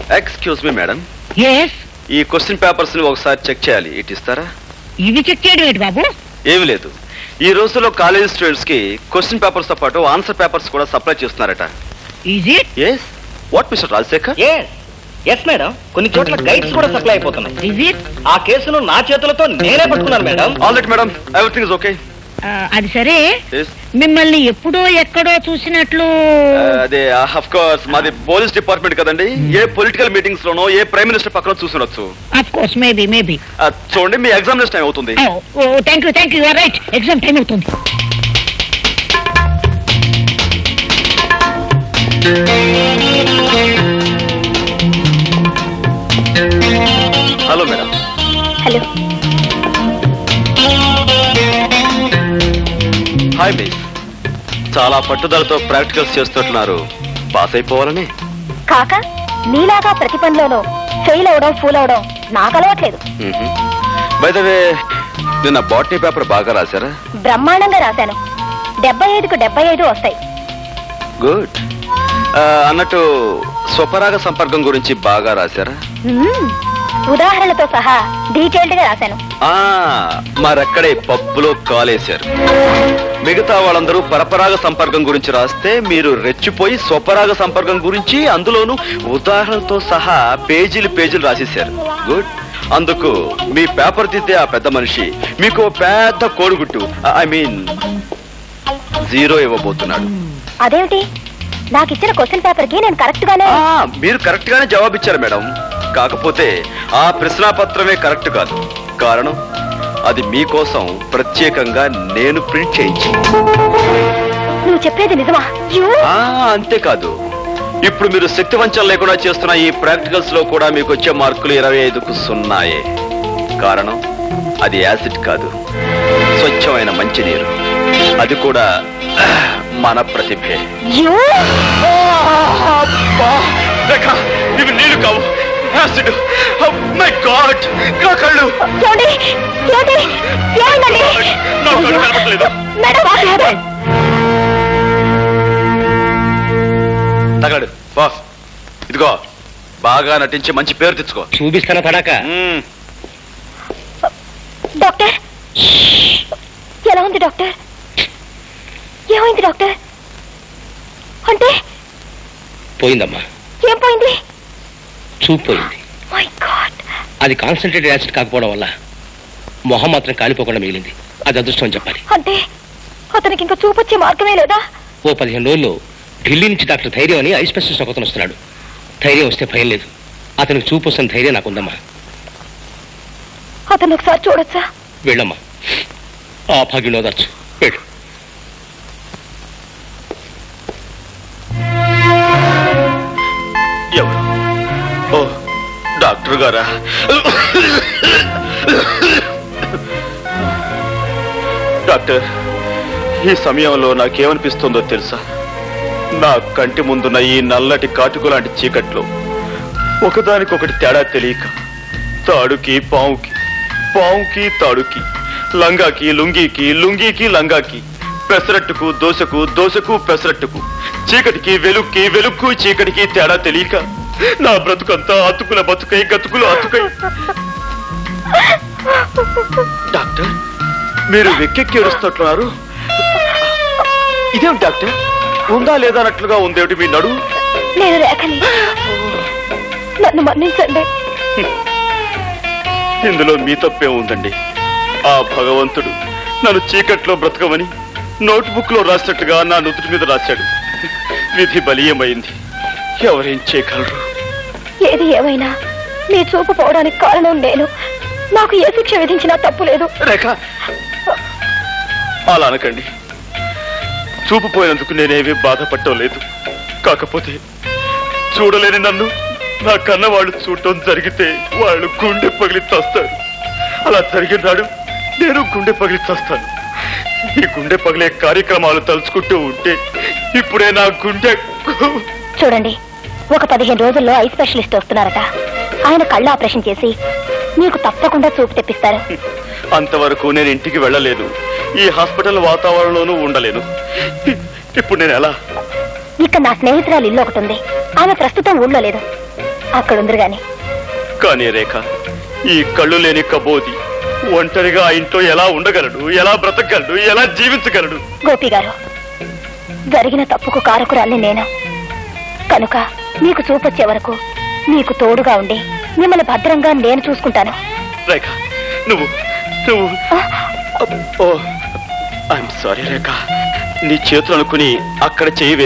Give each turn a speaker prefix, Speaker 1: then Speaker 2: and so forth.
Speaker 1: Excuse me madam,
Speaker 2: yes,
Speaker 1: ఈ question papers ని ఒకసారి చెక్ చేయాలి. ఇటు ఇస్తారా?
Speaker 2: ఇవి చెక్ చేయడం ఏంటి బాబు?
Speaker 1: ఏమి లేదు, ఈ రోజుల్లో కాలేజ్ స్టూడెంట్స్ కి క్వశ్చన్ పేపర్స్ తో పాటు ఆన్సర్ పేపర్స్ కూడా సప్లై చేస్తున్నారట.
Speaker 2: Is it?
Speaker 1: Yes. What mister Rajasekhar?
Speaker 3: Yes madam, కొన్ని చోట్ల గైడ్స్ కూడా సప్లై అయిపోతున్నాయి.
Speaker 2: Is it?
Speaker 3: ఆ కేసును నా చేతులతో నేనే పట్టుకున్నాను madam.
Speaker 1: All right madam, everything is okay.
Speaker 2: అది సరే, మిమ్మల్ని ఎప్పుడో ఎక్కడో చూసినట్లు.
Speaker 1: అదే ఆఫ్ కోర్స్ మాది పోలీస్ డిపార్ట్మెంట్ కదండి. ఏ పొలిటికల్ మీటింగ్స్ లోనో ఏ ప్రైమ్ మినిస్టర్ పక్కన చూసుండొచ్చు.
Speaker 2: Of course, maybe.
Speaker 1: చూడండి, మీ ఎగ్జామినేషన్ టైం అవుతుంది.
Speaker 2: Thank you, right, exam time అవుతుంది.
Speaker 1: Hello madam.
Speaker 4: Hello.
Speaker 1: Hi miss, చాలా పట్టుదలతో ప్రాక్టికల్స్ చేస్తున్నారు. పాస్ అయిపోవాలని.
Speaker 4: కాక నీలాగా ప్రతి పనిలోనూ ఫెయిల్ అవడం, ఫూల్ అవడం నాకు అలవాట్లేదు.
Speaker 1: బై ద వే, నిన్న బాటనీ పేపర్ బాగా రాశారా?
Speaker 4: బ్రహ్మాండంగా రాశాను. 75కు 75 వస్తాయి.
Speaker 1: గుడ్. అన్నట్టు స్వపరాగ సంపర్కం గురించి బాగా రాశారా?
Speaker 4: ఉదాహరణలతో సహా డీటెయిల్డ్ గా రాశాను.
Speaker 1: మరక్కడే పప్పులో కాలేశారు. మిగతా వాళ్ళందరూ పరపరాగ సంపర్కం గురించి రాస్తే మీరు రెచ్చిపోయి స్వపరాగ సంపర్కం గురించి అందులోనూ ఉదాహరణతో సహా పేజీలు రాసేశారు. గుడ్. అందుకు మీ పేపర్ దిద్దే ఆ పెద్ద మనిషి మీకు పెద్ద కోడిగుట్టు, ఐ మీన్ 0 ఇవ్వబోతున్నాడు.
Speaker 4: అదేమిటి? నాకు ఇచ్చిన క్వశ్చన్ పేపర్ కి నేను కరెక్ట్ గానే.
Speaker 1: మీరు కరెక్ట్ గానే జవాబిచ్చారు మేడం. కాకపోతే ఆ ప్రశ్నాపత్రమే కరెక్ట్ కాదు. కారణం, అది మీకోసం ప్రత్యేకంగా నేను ప్రింట్ చేయించి.
Speaker 4: నువ్వు చెప్పేది నిజమా?
Speaker 1: అంతేకాదు, ఇప్పుడు మీరు శక్తి వంచన లేకుండా చేస్తున్న ఈ ప్రాక్టికల్స్ లో కూడా మీకు వచ్చే మార్కులు 25కు 0. కారణం, అది యాసిడ్ కాదు, స్వచ్ఛమైన మంచినీరు. అది కూడా మన ప్రతిభే. ఇవి నీళ్లు కావు, యాసిడ్. మై గాడ్, నా కళ్ళు కనపడలేదు. తగలడు బాస్. ఇదిగో, బాగా నటించి మంచి పేరు తెచ్చుకో.
Speaker 3: చూపిస్తానా తడాక?
Speaker 4: డాక్టర్, ఎలా ఉంది డాక్టర్? ఏమైంది డాక్టర్? అంటే
Speaker 3: పోయిందమ్మా.
Speaker 4: ఏం పోయింది?
Speaker 3: చూపు పోయింది.
Speaker 4: My god.
Speaker 3: అది కాన్సన్ట్రేటెడ్ యాసిడ్ కాకపోవడం వల్ల మొహం మాత్రం కాలిపోకుండా మిగిలింది. అది అదృష్టం చెప్పాలి.
Speaker 4: అంటే అతనికి ఇంకా చూపొచ్చే మార్గమే లేదా?
Speaker 3: ఓ 15 రోజుల్లో ఢిల్లీ నుంచి డాక్టర్ ధైర్యం అని ఐ స్పెషలిస్ట్ ఒకతను వస్తున్నాడు. ధైర్యం వస్తే భయం లేదు. అతనికి చూపు వస్తున్న ధైర్యం నాకుందమ్మా.
Speaker 4: అతను ఒకసారి చూడొచ్చా?
Speaker 3: వెళ్ళమ్మా, ఆ భాగ్యం ఓదార్చు. వెళ్ళు.
Speaker 1: ఎవరు? ఓ, డాక్టర్ గారా? డాక్టర్, ఈ సమయంలో నాకేమనిపిస్తుందో తెలుసా? నా కంటి ముందున్న ఈ నల్లటి కాటుకు లాంటి చీకట్లో ఒకదానికొకటి తేడా తెలియక, తాడుకి పావుకి, పావుకి తాడుకి, లంగాకి లుంగీకి, లుంగీకి లంగాకి, పెసరట్టుకు దోశకు, దోశకు పెసరట్టుకు, చీకటికి వెలుక్కి, వెలుక్కు చీకటికి తేడా తెలియక నా బ్రతుకంతా అతుకుల బతుకై, గతుకులు అతుకై. డాక్టర్, మీరు వెక్కెక్కి ఏడుస్తున్నారు. ఇదేమిటి డాక్టర్? ఉందా లేదా అన్నట్లుగా ఉందేమిటి మీ నడు?
Speaker 4: నేను రేఖని, నన్ను మన్నించండి.
Speaker 1: ఇందులో మీ తప్పే ఉందండి. ఆ భగవంతుడు నన్ను చీకట్లో బ్రతకమని నోట్బుక్ లో రాసినట్టుగా నా నుదుటి మీద రాశాడు. విధి బలీయమైంది. ఎవరేం చేయగలరు?
Speaker 4: ఏది ఏమైనా నీ చూపు పోవడానికి కారణం నేను. నాకు ఏ శిక్ష విధించినా తప్పు లేదు.
Speaker 1: రేఖ, అలా అనకండి. చూపు పోయినందుకు నేనేమీ బాధపడటం లేదు. కాకపోతే చూడలేని నన్ను నా కన్న వాళ్ళు చూడటం జరిగితే వాళ్ళు గుండె పగిలి చస్తారు. అలా జరిగిన నాడు నేను గుండె పగిలి చస్తాను. ఈ గుండె పగిలే కార్యక్రమాలు తలుచుకుంటూ ఉంటే ఇప్పుడే నా గుండె.
Speaker 4: చూడండి, ఒక 15 రోజుల్లో ఐ స్పెషలిస్ట్ వస్తున్నారట. ఆయన కళ్ళు ఆపరేషన్ చేసి నీకు తప్పకుండా చూపు తెప్పిస్తారు.
Speaker 1: అంతవరకు నేను ఇంటికి వెళ్ళలేదు. ఈ హాస్పిటల్ వాతావరణంలోనూ ఉండలేను. ఇప్పుడు నేను ఎలా?
Speaker 4: ఇక్కడ నా స్నేహితురాలు ఇల్లు ఒకటి ఉంది. ఆమె ప్రస్తుతం ఊళ్ళో లేదు. అక్కడుందరు గాని.
Speaker 1: కానీ రేఖ, ఈ కళ్ళు లేని కబోది ఒంటరిగా ఆ ఇంట్లో ఎలా ఉండగలడు, ఎలా బ్రతకగలడు, ఎలా జీవించగలడు?
Speaker 4: గోపి గారు, జరిగిన తప్పుకు కారకురాల్ని నేను. కనుక మీకు చూపొచ్చే వరకు మీకు తోడుగా ఉండి మిమ్మల్ని భద్రంగా నేను చూసుకుంటాను.
Speaker 1: రేఖ, నువ్వు ఐఎమ్ సారీ రేఖ, నీ చేతులు అనుకుని అక్కడ చేయి